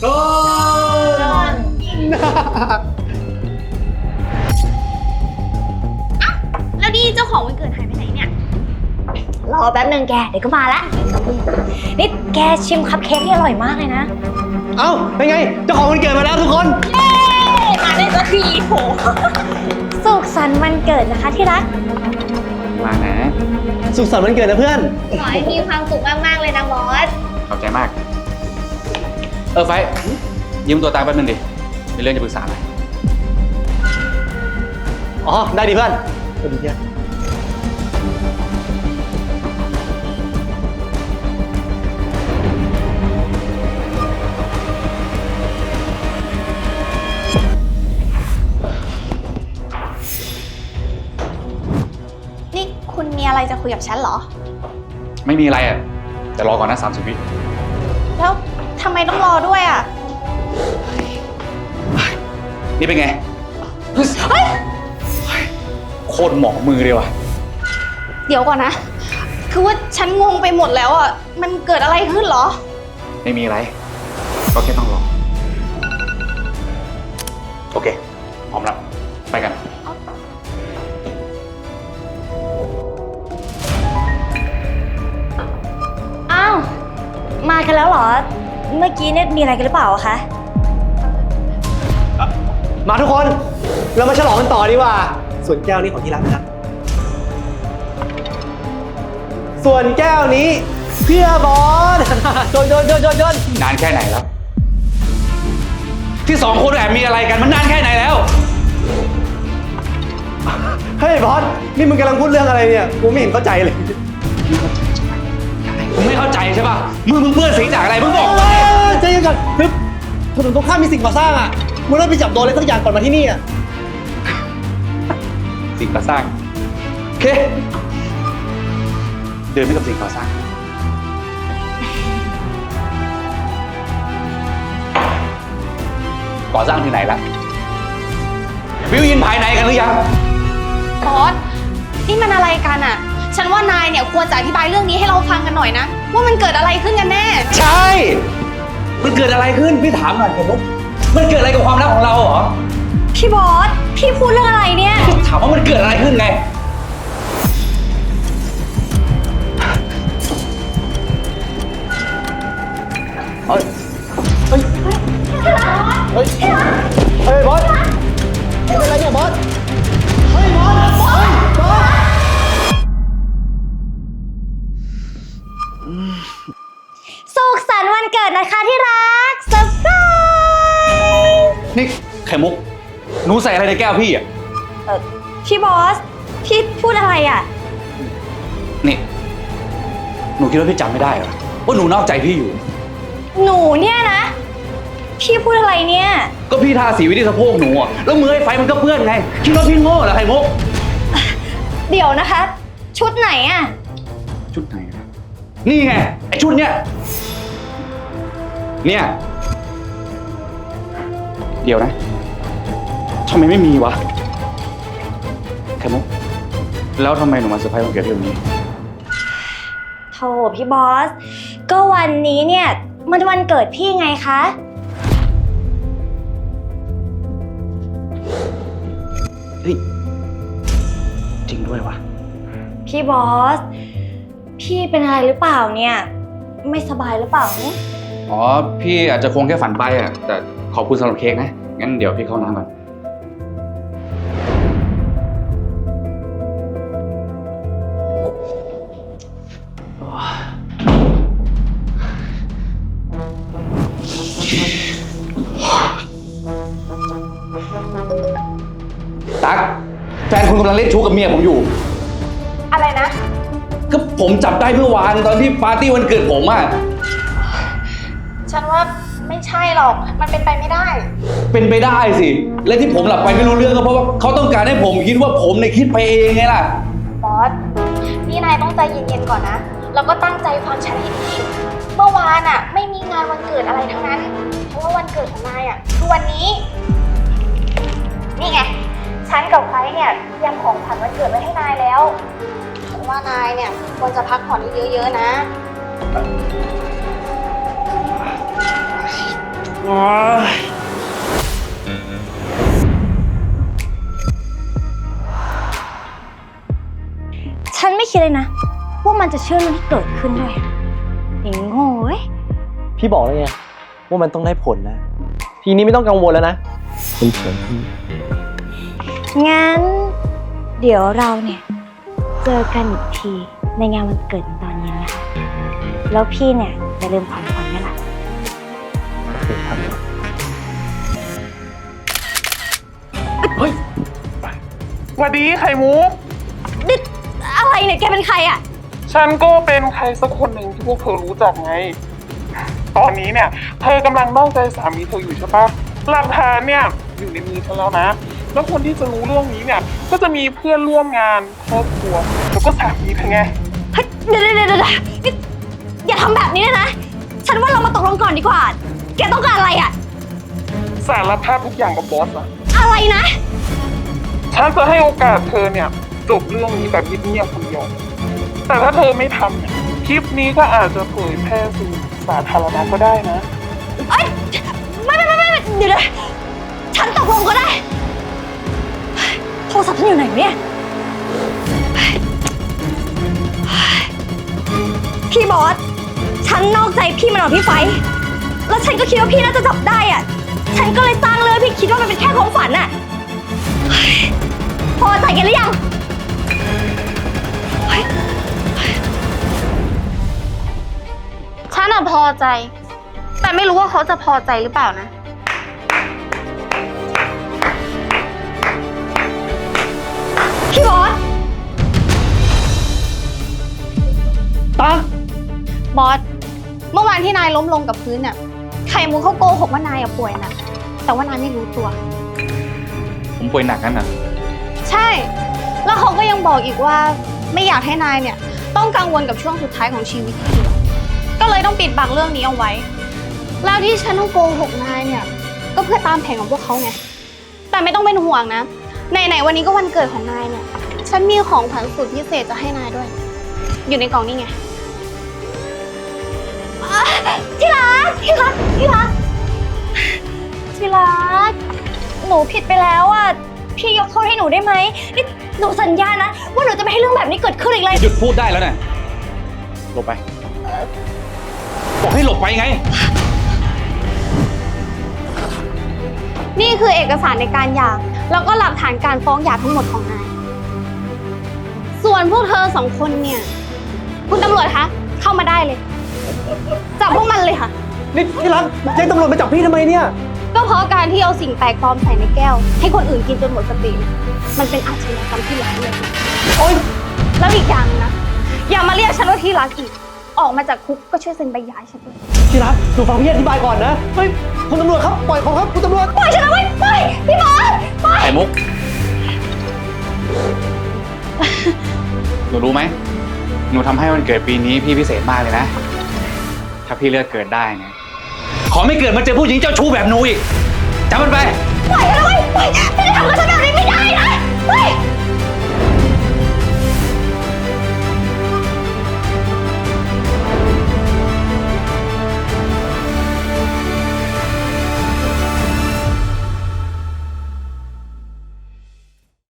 ต้นแล้วนี่เจ้าของวันเกิดหายไปไหนเนี่ยรอแป๊บนึงแกเดี๋ยวก็มาละนี่แกชิมคัพเค้กที่อร่อยมากเลยนะเอ้าเป็นไงเจ้าของวันเกิดมาแล้วทุกคนเย้มาได้สักทีโหสุขสันต์วันเกิดนะคะที่รักมานะสุขสันต์วันเกิดนะเพื่อนขอให้มีความสุขมากๆเลยนะบอสขอบใจมากไฟยืมตัวตาแป๊บนึงดิมีเรื่องจะปรึกษาหน่อยอ๋อได้ดิเพื่อนสวัสดีเพื่อนนี่คุณมีอะไรจะคุยกับฉันเหรอไม่มีอะไรอ่ะแต่รอก่อนนะ30 วิแล้วทำไมต้องรอด้วยอ่ะนี่เป็นไงโคตรหมอมือเลยว่ะเดี๋ยวก่อนนะคือว่าฉันงงไปหมดแล้วอ่ะมันเกิดอะไรขึ้นเหรอไม่มีอะไรก็แค่ต้องรอโอเคพร้อมแล้วไปกันอ้าวมากันแล้วเหรอเมื่อกี้เนี่ยมีอะไรกันหรือเปล่าคะมาทุกคนเรามาฉลองกันต่อดีกว่าส่วนแก้วนี้ของที่รักนะครับส่วนแก้วนี้เพื่อบอสโดนนานแค่ไหนแล้วที่2 คนแอบมีอะไรกันมันนานแค่ไหนแล้วเฮ้ยบอสนี่มึงกำลังพูดเรื่องอะไรเนี่ยกูไม่เห็นเข้าใจเลยมึงไม่เข้าใจใช่ป่ะมึงเปื้อนสีจากอะไรมึงบอกใจเย็นก่อนคือถนนตรงข้ามมีสิ่งก่อสร้างอ่ะมึงต้องไปจับโดนอะไรสักอย่างก่อนมาที่นี่อ่ะสิ่งก่อสร้างโอเคเดินไปกับสิ่งก่อสร้างก่อสร้างที่ไหนล่ะวิวยินภายในกันหรือยังบอสนี่มันอะไรกันอ่ะฉันว่านายเนี่ยควรจะอธิบายเรื่องนี้ให้เราฟังกันหน่อยนะว่ามันเกิดอะไรขึ้นกันแน่ใช่มันเกิดอะไรขึ้นพี่ถามหน่อยเถอะลูกมันเกิดอะไรกับความรักของเราเหรอพี่บอสพี่พูดเรื่องอะไรเนี่ยถามว่ามันเกิดอะไรขึ้นไงเฮ้ยบอสเป็นอะไรเนี่ยบอสเฮ้ยบอสสุขสันต์วันเกิดนะคะที่รักเซอร์ไพรส์นี่ไข่มุกหนูใส่อะไรในแก้วพี่อ่ะพี่บอสพี่พูดอะไรอ่ะนี่หนูคิดว่าพี่จำไม่ได้เหรอว่าหนูนอกใจพี่อยู่หนูเนี่ยนะพี่พูดอะไรเนี่ยก็พี่ทาสีไว้ที่สะโพกหนูอ่ะแล้วมือไอ้ไฟมันก็เปื้อนไงคิดว่าพี่โง่เหรอไข่มุกเดี๋ยวนะคะชุดไหนอ่ะชุดไหนนี่ไงไอ้ชุดเนี้ยเดี๋ยวนะทำไมไม่มีวะไข่มุกแล้วทำไมหนูมาเซอร์ไพรส์วันเกิดพี่วันนี้โธ่พี่บอสก็วันนี้เนี่ยมันวันเกิดพี่ไงคะเฮ้ยจริงด้วยวะพี่บอสพี่เป็นอะไรหรือเปล่าเนี่ยไม่สบายหรือเปล่าอ๋อพี่อาจจะคงแค่ฝันไปอ่ะแต่ขอบคุณสำหรับเค้กนะงั้นเดี๋ยวพี่เข้าน้ำก่อนตั๊กแฟนคุณกำลังเล่นชู้กับเมียผมอยู่อะไรนะก็ผมจับได้เมื่อวานตอนที่ปาร์ตี้วันเกิดผมอ่ะฉันว่าไม่ใช่หรอกมันเป็นไปไม่ได้เป็นไปได้สิและที่ผมหลับไปไม่รู้เรื่องก็เพราะว่าเขาต้องการให้ผมคิดว่าผมเนี่ยคิดไปเองไงล่ะบอสนี่นายต้องใจเย็นๆก่อนนะแล้วก็ตั้งใจฟังฉันให้ดีเมื่อวานอ่ะไม่มีงานวันเกิดอะไรทั้งนั้นเพราะว่าวันเกิดของนายอ่ะคือวันนี้นี่ไงฉันกับไฟเนี่ยเตรียมของขวัญวันเกิดไว้ให้นายแล้วฉันว่านายเนี่ยควรจะพักผ่อนเยอะๆนะฉันไม่คิดเลยนะว่ามันจะเชื่อเรื่องที่เกิดขึ้นด้วยไอ้โง่เว้ยพี่บอกแล้วไงว่ามันต้องได้ผลนะ ทีนี้ไม่ต้องกังวลแล้วนะคุณเฉยพี่งั้น เดี๋ยวเราเนี่ย เจอกันอีกทีในงานวันเกิดตอนเย็นนะคะแล้วพี่เนี่ยจะลืมของขวัญไหมล่ะโอเคครับสวัสดีไข่มุกนี่อะไรเนี่ยแกเป็นใครอ่ะฉันก็เป็นใครสักคนหนึ่งที่พวกเธอรู้จักไง ตอนนี้เนี่ย เธอกำลังนอกใจสามีเธออยู่ใช่ปะหลักฐานเนี่ยอยู่ในมือฉันแล้วนะ แล้วคนที่จะรู้เรื่องนี้เนี่ย ก็จะมีเพื่อนร่วมงานครอบครัวแล้วก็สามีเธอไงเฮ้ยเดี๋ยวนี่อย่าทำแบบนี้เลยนะ ฉันว่าเรามาตกลงก่อนดีกว่า แกต้องการอะไรอ่ะสารภาพทุกอย่างกับบอสอะอะไรนะฉันจะให้โอกาสเธอเนี่ยจบเรื่องนี้แบบเงียบๆคนเดียว แต่ถ้าเธอไม่ทำเนี่ยคลิปนี้ก็อาจจะเผยแพร่สู่สาธารณะก็ได้นะเอ้ยไม่เดี๋ยวนะฉันตกลงก็ได้ โทรศัพท์ฉันอยู่ไหนเนี่ย พี่บอส ฉันนอกใจพี่มาหน่อยพี่ไฟ แล้วฉันก็คิดว่าพี่น่าจะจับได้อ่ะ ฉันก็เลยสร้างเรื่องพี่คิดว่ามันเป็นแค่ความฝันอ่ะ พอใจกันหรือยังฉันอะพอใจ แต่ไม่รู้ว่าเขาจะพอใจหรือเปล่านะพี่บอสตาบอส เมื่อวานที่นายล้มลงกับพื้นน่ะไข่มุกเขาโกหกว่านายอะป่วยหนะแต่ว่านายไม่รู้ตัวผมป่วยหนักนั่นน่ะใช่ แล้วเขาก็ยังบอกอีกว่าไม่อยากให้นายเนี่ยต้องกังวลกับช่วงสุดท้ายของชีวิตที่เหลือก็เลยต้องปิดบังเรื่องนี้เอาไว้ แล้วที่ฉันต้องโกหกนายเนี่ยก็เพื่อตามแผนของพวกเขาไง แต่ไม่ต้องเป็นห่วงนะไหนๆวันนี้ก็วันเกิดของนายเนี่ย ฉันมีของขวัญสุดพิเศษจะให้นายด้วย อยู่ในกล่องนี่ไงที่รักหนูผิดไปแล้วอ่ะ พี่ยกโทษให้หนูได้ไหมนี่หนูสัญญานะ ว่าหนูจะไม่ให้เรื่องแบบนี้เกิดขึ้นอีกเลยหยุดพูดได้แล้วนะหลบไป บอกให้หลบไปไงนี่คือเอกสารในการหย่าแล้วก็หลักฐานการฟ้องหย่าทั้งหมดของนาย ส่วนพวกเธอสองคนเนี่ย คุณตำรวจคะเข้ามาได้เลย จับพวกมันเลยค่ะนี่ที่รักแจ้งตำรวจมาจับพี่ทำไมเนี่ยก็เพราะการที่เอาสิ่งแปลกปลอมใส่ในแก้ว ให้คนอื่นกินจนหมดสติ มันเป็นอาชญากรรมที่ร้ายแรงโอ๊ยแล้วอีกอย่างนะ อย่ามาเรียกฉันว่าที่รักอีก ออกมาจากคุกก็ช่วยเซ็นใบหย่าให้ฉันด้วยที่รักหนูฟังพี่อธิบายก่อนนะ เฮ้ย คุณตำรวจครับ ปล่อยเขาครับ คุณตำรวจปล่อยฉันนะเว้ยปล่อยพี่บอสปล่อยไข่มุก หนูรู้ไหม หนูทำให้วันเกิดปีนี้พี่พิเศษมากเลยนะ ถ้าพี่เลือกเกิดได้นะ ขอไม่เกิดมาเจอผู้หญิงเจ้าชู้แบบหนูอีกจำมันไปปล่อยฉันนะเว้ยปล่อยพี่จะทำกับฉันแบบนี้ไม่ได้นะเฮ้ย